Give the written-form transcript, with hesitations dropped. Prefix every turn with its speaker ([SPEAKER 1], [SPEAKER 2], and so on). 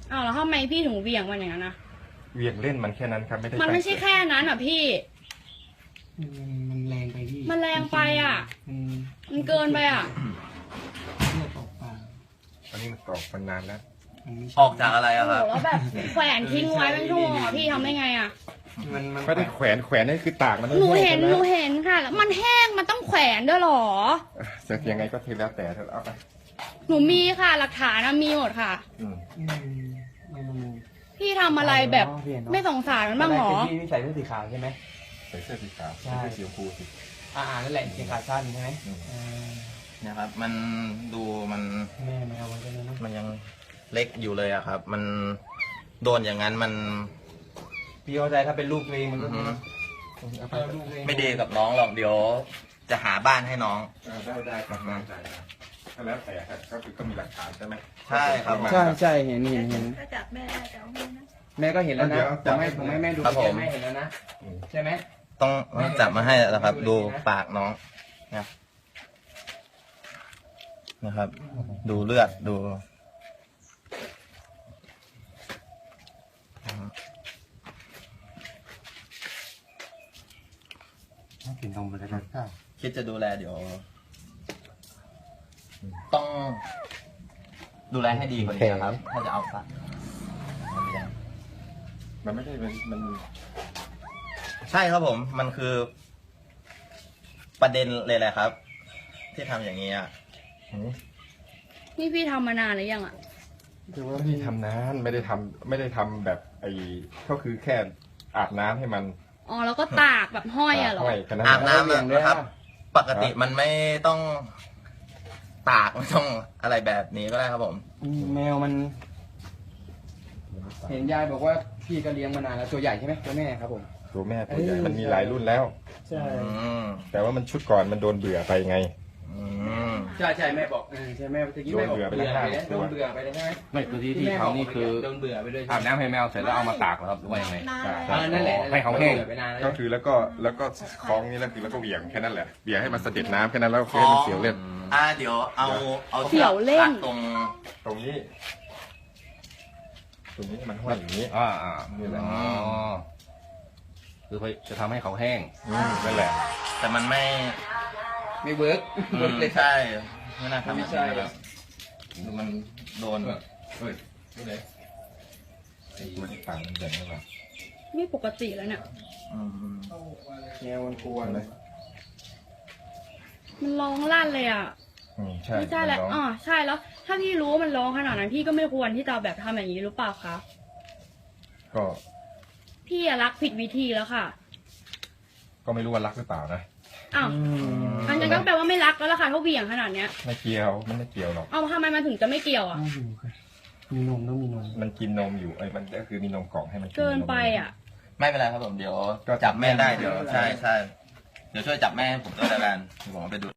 [SPEAKER 1] อ้าวแล้วทำไมพี่ถึงเหวี่ยงมันอย่างนั้นนะ
[SPEAKER 2] เหวี่ยงเล่นมันแค่นั้นครับไม่ได้
[SPEAKER 1] มันไม่ใช่
[SPEAKER 2] ตั้งใจ
[SPEAKER 1] แค่นั้นอ่ะพี่
[SPEAKER 3] มันแรงไปพี่
[SPEAKER 1] มันแรงไปอ่ะ
[SPEAKER 3] มัน
[SPEAKER 1] มันเกินไปอ่ะ
[SPEAKER 3] เลือดออกปาก
[SPEAKER 2] อันนี้มันตอกมันนานแล้ว
[SPEAKER 3] มันไม่ใช่
[SPEAKER 4] ออกจากอะไร
[SPEAKER 1] โอ้
[SPEAKER 4] อะ
[SPEAKER 1] โห
[SPEAKER 4] ครับ
[SPEAKER 1] แล้วแบบแขวนทิ้งไว้เป็นชั่วโมงอ่ะพี่ทำได้ไงอ่ะ
[SPEAKER 3] มัน
[SPEAKER 2] ไม่ได้แขวนนี่คือตากมัน
[SPEAKER 1] หนูเห็น
[SPEAKER 2] แห้ง
[SPEAKER 1] หนูเห็นค่ะ แล้วมันแห้งมันต้องแขวนด้วยเหรอ
[SPEAKER 2] จะยังไงก็เทแล้วแต่เธอเอาไป
[SPEAKER 1] หนูมีค่ะหลักฐานนะมีหมดค่ะ
[SPEAKER 2] อืม
[SPEAKER 3] มัน
[SPEAKER 1] พี่ทำอะไรแบบไม่สงสารมันบ้างเหรอ
[SPEAKER 3] พี่ใส่เสื้อสีขาวใช่ไหม
[SPEAKER 2] ใส่เสื้อสีขาว
[SPEAKER 3] ใช่
[SPEAKER 2] ใส่เสื้อสีชมพูสิ
[SPEAKER 3] นั่นแหละเกงขาสั้นใช่ไหม
[SPEAKER 2] อืม
[SPEAKER 4] เนี่ยครับ มันดูมัน
[SPEAKER 3] แม่ไม่เอาไว้ได้เลยนะ
[SPEAKER 4] มันยังเล็กอยู่เลยอะครับ มันโดนอย่างนั้นมัน
[SPEAKER 3] พี่เข้าใจถ้าเป็นลูกตัวเองมันก็
[SPEAKER 2] เอาไป
[SPEAKER 3] ลูกตัวเอง
[SPEAKER 4] ไม่ดีกับน้องหรอกเดี๋ยว จะหาบ้านให้น้อง
[SPEAKER 2] ได้ครับได้ก็แล้วแต่ครับก็คือก็มีหลักฐานใช่ไหม
[SPEAKER 4] ใช่ครับ
[SPEAKER 3] ใช่เห็น
[SPEAKER 5] ถ้าจับแม่ได้จะเอาแม่นะ
[SPEAKER 3] แม่ก็เห็นแล้วนะ
[SPEAKER 2] เดี๋ยว
[SPEAKER 3] ผมให้แม่ดู
[SPEAKER 4] ครับผม
[SPEAKER 3] แม่เห็นแล้วนะใช่ไหม
[SPEAKER 4] ต้องจับมาให้แล้วครับ ดูปากน้องนะนะครับ ดูเลือดดู
[SPEAKER 2] กินนมไปเลยครับ
[SPEAKER 4] คิดจะดูแลเดี๋ยว ต้องดูแลให้ดีกว่านี้นะครับ ถ้าจะเอาสัตว์
[SPEAKER 2] มันไม่ใช่มัน
[SPEAKER 4] ใช่ครับผม มันคือ ประเด็นเลยแหละครับ ที่ทำอย่างนี้อ่ะ
[SPEAKER 1] นี่พี่ทำมานานหรือยังอ่ะ
[SPEAKER 2] คือว่าพี่ทำนานไม่ได้ทำแบบไอ้ก็คือแค่อาบน้ำให้มัน
[SPEAKER 1] อ๋อแล้วก็ตากแบบห้อยอ่ะเหรอ
[SPEAKER 2] ห้อยแค่นั้น
[SPEAKER 4] อาบน้ำ
[SPEAKER 2] แหละ
[SPEAKER 4] นะครับ ปกติมันไม่ต้องตากไม่ต้องอะไรแบบนี้ก็ได้ครับผม
[SPEAKER 3] แมวมัน เห็นยายบอกว่าพี่ก็เลี้ยงมานานแล้วตัวใหญ่ใช่ไหมตัวแม่ครับผม
[SPEAKER 2] ตัวแม่ตัวใหญ่มันมีหลายรุ่นแล้ว
[SPEAKER 3] ใช่
[SPEAKER 4] อืม
[SPEAKER 2] แต่ว่ามันชุดก่อนมันโดนเบื่อไปไง
[SPEAKER 4] อืม
[SPEAKER 3] ใช่แม่บอกใช่แม่ตะกี้แม่บอก
[SPEAKER 2] โดนเบื่อไปแล้ว
[SPEAKER 3] โดนเบื่อไปเลยใช่ไหม
[SPEAKER 6] ไม่ตัวที่ทำนี่คือ
[SPEAKER 3] โดนเบื่อไปเลย
[SPEAKER 6] อาบน้ำให้แมวเสร็จแล้วเอามาตากเหรอครับหรือว่ายังไง
[SPEAKER 5] นาน
[SPEAKER 2] ใช่
[SPEAKER 5] แล้ว
[SPEAKER 3] นั่นแหละ
[SPEAKER 6] ให้เขาแห้ง
[SPEAKER 3] ไปนานแล้ว
[SPEAKER 2] ก็คือแล้วก็คล้องนี่แล้วคือแล้วก็เหวี่ยงแค่นั้นแหละเหวี่ยงให้มันเสด็จน้ำแค่นั้นแล้วก็ให้มันเสียวเล่น
[SPEAKER 4] เดี๋ยวเอา
[SPEAKER 1] เสี่ยวเล่น
[SPEAKER 4] ชือกตรง
[SPEAKER 2] ตรงนี้มันห้อยอย่างนี้ นี่แหละ
[SPEAKER 6] อ๋อคือจะทำให้เขาแห้ง
[SPEAKER 2] นั่นแหละ
[SPEAKER 4] แต่มันไม่
[SPEAKER 3] ไม่เวิร์ก
[SPEAKER 4] อืมใช่ ไม่น่าทำ
[SPEAKER 3] ไม่ใช่
[SPEAKER 4] แบบดูมันโดน
[SPEAKER 2] เฮ้ยนี่ไหนมันต่างมันแบ่งกันมา
[SPEAKER 1] ไม่ปกติแล้วเนี่ย
[SPEAKER 4] อืม
[SPEAKER 3] แมวมันกลัวเลย
[SPEAKER 1] มันร้องลั่นเลยอ่ะ
[SPEAKER 2] ใช่
[SPEAKER 1] ไม่ใช่แล้ว
[SPEAKER 2] มันร้อง
[SPEAKER 1] อ๋อใช่แล้ว ถ้าพี่รู้ว่ามันร้องขนาดนั้นพี่ก็ไม่ควรที่จะแบบทำอย่างนี้หรือเปล่าคะ
[SPEAKER 2] ก็
[SPEAKER 1] พี่อะรักผิดวิธีแล้วค่ะ
[SPEAKER 2] ก็ไม่รู้ว่ารักหรือเปล่านะ
[SPEAKER 1] อ้าวอันนั้นก็แปลว่าไม่รักแล้วล่ะค่ะถ้าเหวี่ยงขนาดเนี้ย
[SPEAKER 2] ไม่เกี่ยวมันไม่เกี่ยวหรอก
[SPEAKER 1] เอาทำไมมันถึงจะไม่เกี่ยวอ่ะ
[SPEAKER 3] มีนมต้องมีนม
[SPEAKER 2] มันกินนมอยู่มันก็คือมีนมกล่องให้มัน
[SPEAKER 1] เกินไปอ่ะ
[SPEAKER 4] ไม่เป็นไรครับผมเดี๋ยว
[SPEAKER 2] ก็
[SPEAKER 4] จับแม่ได้เดี๋ยวใช่เดี๋ยวช่วยจับแม่ให้ผมด้วยแล้วกันเดี๋ยวผมเอาไปดู